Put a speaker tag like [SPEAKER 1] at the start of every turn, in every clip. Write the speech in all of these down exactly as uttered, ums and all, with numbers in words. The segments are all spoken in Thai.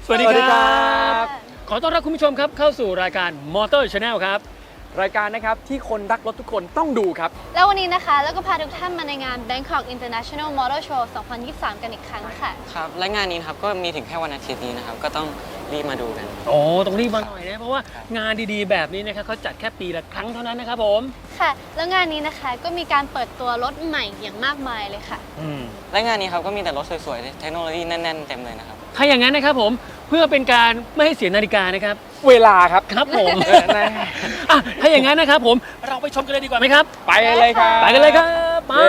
[SPEAKER 1] สวัสดีครับขอต้อนรับคุณผู้ชมครับเข้าสู่รายการ Motor Channel ครับ
[SPEAKER 2] รายการนะครับที่คนรักรถทุกคนต้องดูครับ
[SPEAKER 3] แล้ววันนี้นะคะแล้วก็พาทุกท่านมาในงาน Bangkok International Motor Show สองพันยี่สิบสาม กันอีกครั้งค่ะ
[SPEAKER 4] ครับและงานนี้นะครับก็มีถึงแค่วันอาทิตย์นี้นะครับก็ต้องรีบมาดูกัน
[SPEAKER 1] โอ้ต้องรีบมาหน่อยนะเพราะว่างานดีๆแบบนี้นะครับเขาจัดแค่ปีละครั้งเท่านั้นนะครับผม
[SPEAKER 3] ค่ะแล้วงานนี้นะคะก็มีการเปิดตัวรถใหม่อย่างมากมายเลยค่ะ
[SPEAKER 1] อืม
[SPEAKER 4] และงานนี้ครับก็มีแต่รถสวยๆเทคโนโลยีแน่นๆเต็มเลยนะครับ
[SPEAKER 1] ถ้าอย่างนั้นนะครับผมเพื่อเป็นการไม่ให้เสียนาฬิกานะครับ
[SPEAKER 2] เวลาครับ
[SPEAKER 1] ครับผมอ่ะถ้าอย่างนั้นนะครับผมเราไปชมกันเลยดีกว่าไหมครับ
[SPEAKER 2] ไปเลยครับ
[SPEAKER 1] ไปกันเลยครับมา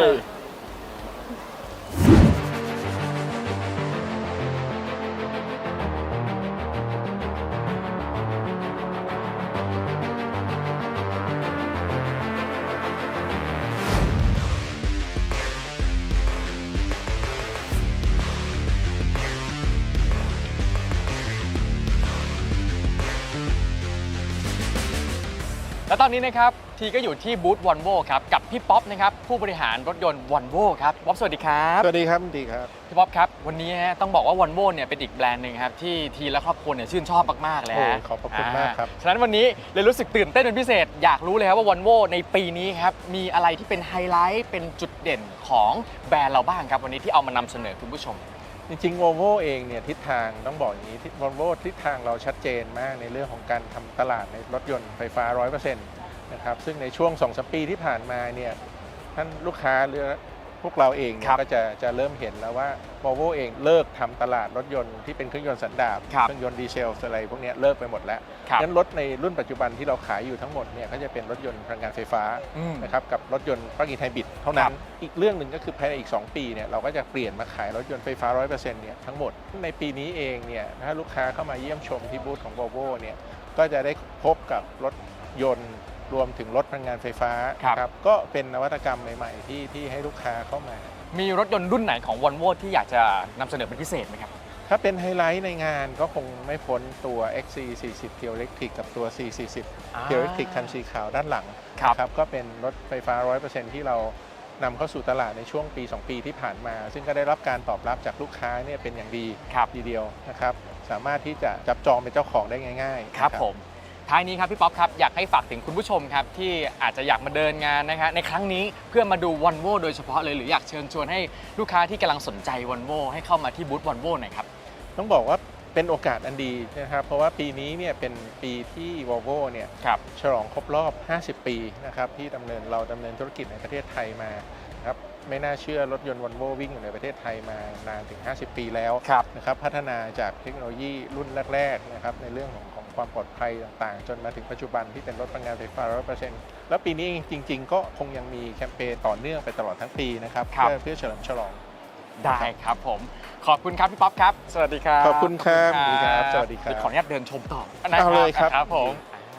[SPEAKER 2] และตอนนี้นะครับทีก็อยู่ที่บูธวอลโว่ครับกับพี่ป๊อปนะครับผู้บริหารรถยนต์วอลโว่ครับป๊อปสวัสดีครับ
[SPEAKER 5] สวัสดีครับดีครับ
[SPEAKER 2] พี่ป๊อปครับวันนี้ฮะต้องบอกว่าวอลโว่เนี่ยเป็นอีกแบรนด์หนึ่งครับที่ทีและครอบครัวเนี่ยชื่นชอบมากๆเลยฮะ
[SPEAKER 5] ขอบคุณมากครับ
[SPEAKER 2] ฉะนั้นวันนี้เลยรู้สึกตื่นเต้นเป็นพิเศษอยากรู้เลยครับว่าวอลโว่ในปีนี้ครับมีอะไรที่เป็นไฮไลท์เป็นจุดเด่นของแบรนด์เราบ้างครับวันนี้ที่เอามานำเสนอคุณผู้ชม
[SPEAKER 5] จริงๆ Volvo เองเนี่ยทิศทางต้องบอกอย่างนี้ Volvo ทิศทางเราชัดเจนมากในเรื่องของการทำตลาดในรถยนต์ไฟฟ้า ร้อยเปอร์เซ็นต์ นะครับซึ่งในช่วง สองถึงสาม ปีที่ผ่านมาเนี่ยท่านลูกค้าหรือพวกเราเองก็จะจะเริ่มเห็นแล้วว่า Volvo เองเลิกทำตลาดรถยนต์ที่เป็นเครื่องยนต์สันดาปเครื่องยนต์ดีเซลอะไรพวกนี้เลิกไปหมดแล้วงั้นรถในรุ่นปัจจุบันที่เราขายอยู่ทั้งหมดเนี่ยก็จะเป็นรถยนต์พลังงานไฟฟ้านะครับกับรถยนต์ปลั๊กอินไฮบริดเท่านั้นอีกเรื่องหนึ่งก็คือภายในอีกสองปีเนี่ยเราก็จะเปลี่ยนมาขายรถยนต์ไฟฟ้า ร้อยเปอร์เซ็นต์ เนี่ยทั้งหมดในปีนี้เองเนี่ยถ้าลูกค้าเข้ามาเยี่ยมชมที่บูธของ Volvo เนี่ยก็จะได้พบกับรถยนต์รวมถึงรถพลังงานไฟฟ้าครับก็เป็นนวัตกรรมใหม่ๆที่ที่ให้ลูกค้าเข้ามา
[SPEAKER 2] มีรถยนต์รุ่นไหนของ Volvo ที่อยากจะนำเสนอเป็นพิเศษไหมครับ
[SPEAKER 5] ถ้าเป็นไฮไลท์ในงานก็คงไม่พ้นตัว เอ็กซ์ ซี สี่สิบ Pure Electric กับตัว ซี สี่สิบ Pure Electric คันสีขาวด้านหลังครับก็เป็นรถไฟฟ้า ร้อยเปอร์เซ็นต์ ที่เรานำเข้าสู่ตลาดในช่วงปี สอง ปีที่ผ่านมา ซึ่งก็ได้รับการตอบรับจากลูกค้าเนี่ยเป็นอย่างดีทีเดียวนะครับสามารถที่จะจับจองเป็นเจ้าของได้ง่าย
[SPEAKER 2] ๆครับผมท้ายนี้ครับพี่ป๊อปครับอยากให้ฝากถึงคุณผู้ชมครับที่อาจจะอยากมาเดินงานนะครับในครั้งนี้เพื่อมาดู Volvo โดยเฉพาะเลยหรืออยากเชิญชวนให้ลูกค้าที่กำลังสนใจ Volvo ให้เข้ามาที่บูธ Volvo หน่อยครับ
[SPEAKER 5] ต้องบอกว่าเป็นโอกาสอันดีนะครับเพราะว่าปีนี้เนี่ยเป็นปีที่ Volvo เนี่ยฉลองครบรอบ ห้าสิบ ปีนะครับที่ดำเนินเราดำเนินธุรกิจในประเทศไทยมาครับไม่น่าเชื่อรถยนต์ Volvo วิ่งอยู่ในประเทศไทยมานานถึงห้าสิบปีแล้วนะครับพัฒนาจากเทคโนโลยีรุ่นแรกๆนะครับในเรื่องของความปลอดภัยต่างๆจนมาถึงปัจจุบันที่เป็นรถพลังงานไฟฟ้า ร้อยเปอร์เซ็นต์ แล้วปีนี้จริงๆก็คงยังมีแคมเปญต่อเนื่องไปตลอดทั้งปีนะครับเพื่อเพื่อเฉลิมฉลอง
[SPEAKER 2] ได้ครับผมขอบคุณครับพี่ป๊อปครับสวัสดีครับ
[SPEAKER 5] ขอบคุณครับสวัสดีครับสวัสดีครับ
[SPEAKER 2] ขออนุญาตเดินชมต่อ
[SPEAKER 5] เอาเลยครับ
[SPEAKER 2] ครับผม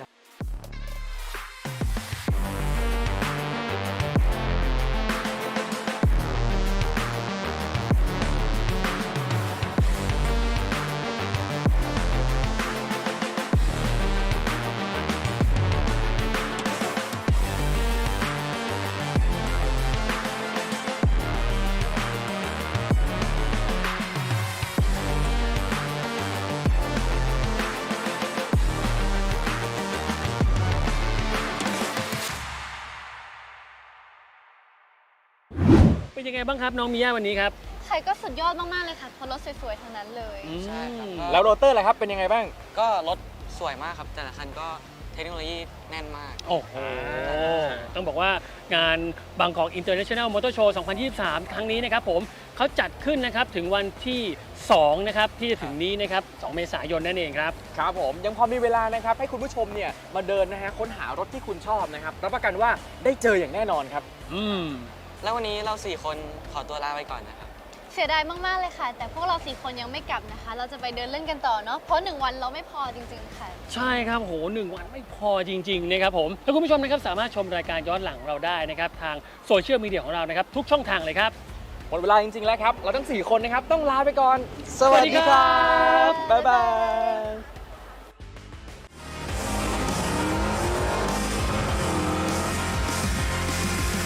[SPEAKER 1] เป็นยังไงบ้างครับน้องมิยาวันนี้ครับ
[SPEAKER 3] ใครก็สุดยอดมากๆเลยค่ะเพราะรถสวยๆทั้งนั้นเลย
[SPEAKER 4] ใช่ครับ
[SPEAKER 2] แล้วโรเตอร์อะไรครับเป็นยังไงบ้าง
[SPEAKER 4] ก็รถสวยมากครับแต่ละคันก็เทคโนโลยีแน่นมาก
[SPEAKER 1] โอ้โหต้องบอกว่างานบางกอก International Motor Show สองพันยี่สิบสาม ครั้งนี้นะครับผมเขาจัดขึ้นนะครับถึงวันที่สองนะครับที่จะถึงนี้นะครับสองเมษายนนั่นเองครับ
[SPEAKER 2] ครับผมยังพอมีเวลานะครับให้คุณผู้ชมเนี่ยมาเดินนะฮะค้นหารถที่คุณชอบนะครับรับประกันว่าได้เจออย่างแน่นอนครับ
[SPEAKER 1] อืม
[SPEAKER 4] แล้ววันนี้เราสี่คนขอตัวลาไปก่อนนะครับ
[SPEAKER 3] เสียดายมากๆเลยค่ะแต่พวกเราสี่คนยังไม่กลับนะคะเราจะไปเดินเล่นกันต่อเนาะเพราะหนึ่งวันเราไม่พอจริงๆค่ะ
[SPEAKER 1] ใช่ครับโหหนึ่งวันไม่พอจริงๆนะครับผมแล้วคุณผู้ชมนะครับสามารถชมรายการย้อนหลังเราได้นะครับทางโซเชียลมีเดียของเรานะครับทุกช่องทางเลยครับ
[SPEAKER 2] หมดเวลาจริงๆแล้วครับเราทั้งสี่คนนะครับต้องลาไปก่อนสวัสดีครับบ๊ายบาย